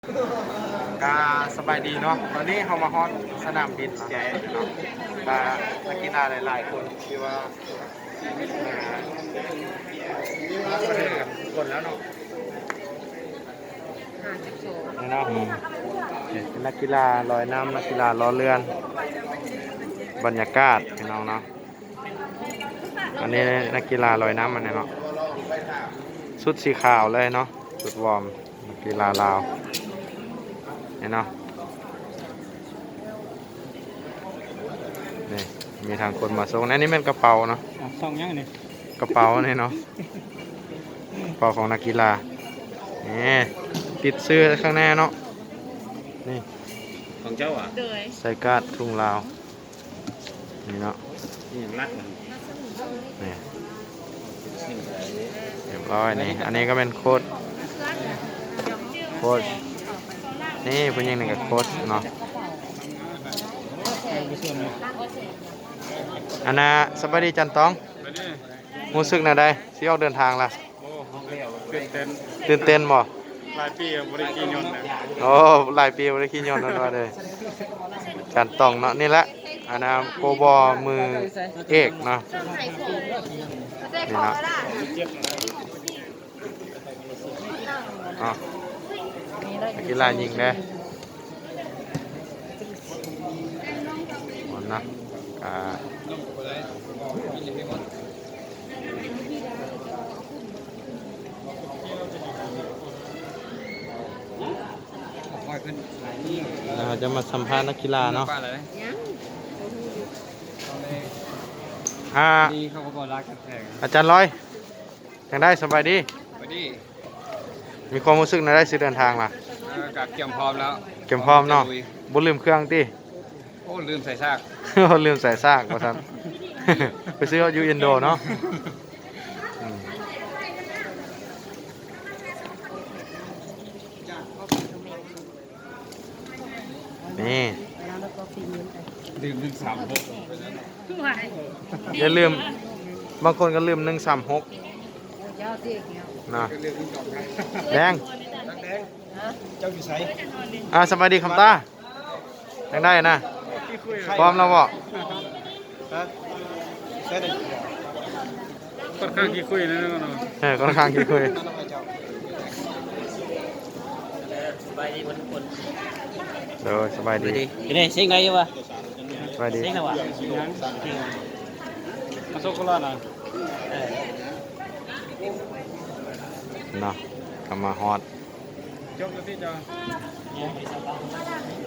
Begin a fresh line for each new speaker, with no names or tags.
กาสบายดีเนาะตอนนี้เขามาฮอตสนามบินใหญ่เนาะกานักกีฬาหลายๆคนที่ว่ามาประเทศกันคนแล้วเนาะนี่เนาะเป็นนักกีฬาลอยน้ำนักกีฬาล้อเรือนบรรยากาศพี่น้องเนาะอันนี้นักกีฬาลอยน้ำมันเนี่ยเนาะชุดสีขาวเลยเนาะชุดวอร์มนักกีฬาลาวนี่เนาะนี่มีทางคนมาส่งนี่เป็นกระเป๋าเนาะ
ส่งยังนี่
กระเป๋านี่เนาะกระเป๋าของนักกีฬานี่ติดเสื้อข้างหน้าเนาะนี่
ของเจ้าอ่ะ
ใส่การ์ดทุ่งลาวนี่เนาะ
นี่ยังรัดมัน
นี่เรียบร้อยนี่อันนี้ก็เป็นโค้ชนี่ผู้หญิงนี่กับโค้ชเนาะอันน่ะสบายดีจันตองรู้สึกน่ะได้สิออกเดินทางล่ะตื่นเต้นบ่
หลายปีบริกีนยนต์
โอ้หลายปีบ่ได้ขี่ยนต์นั่นว่าเลยจันตองเนาะนี่แหละอันน่ะโปรบอมือเอกเนาะนี่เนาะอ๋อกีฬายิงเด้นะเราจะมาสัมภาษณ์นักกีฬาเนาะอาจารย์ร้อยยังได้สบายดีมีความรู้สึกในได้สิเดินทางล่ะ
กับเกี่ยมพร้อมแล้ว
เก็บพร้อมเนาะบ่ลืมเครื่องติ
โอ้ลืมใส่ซาก
ลืมใส่ซากว่าซั่นไปซื้ออยู่อินโดเนาะนี่
ลืม136
อย่าลืมบางคนก็ลืม136นะแดง
เจ้าอยู่ไส
สวัสดีคำตายังได้นะพร้อมแล้วบ่
ค่อนข้างขี้คุยนะเนาะ
ค่อนข้างขี้คุย
สบายดีทุกคน
เด้อสบายดี
นี่เซ็งได้อยู่บ่
สบายดี
เซ็งแล้วบ่มาโซโคลาน่ะ
เนาะกำมาฮอด
จบแล้วพี่จ้า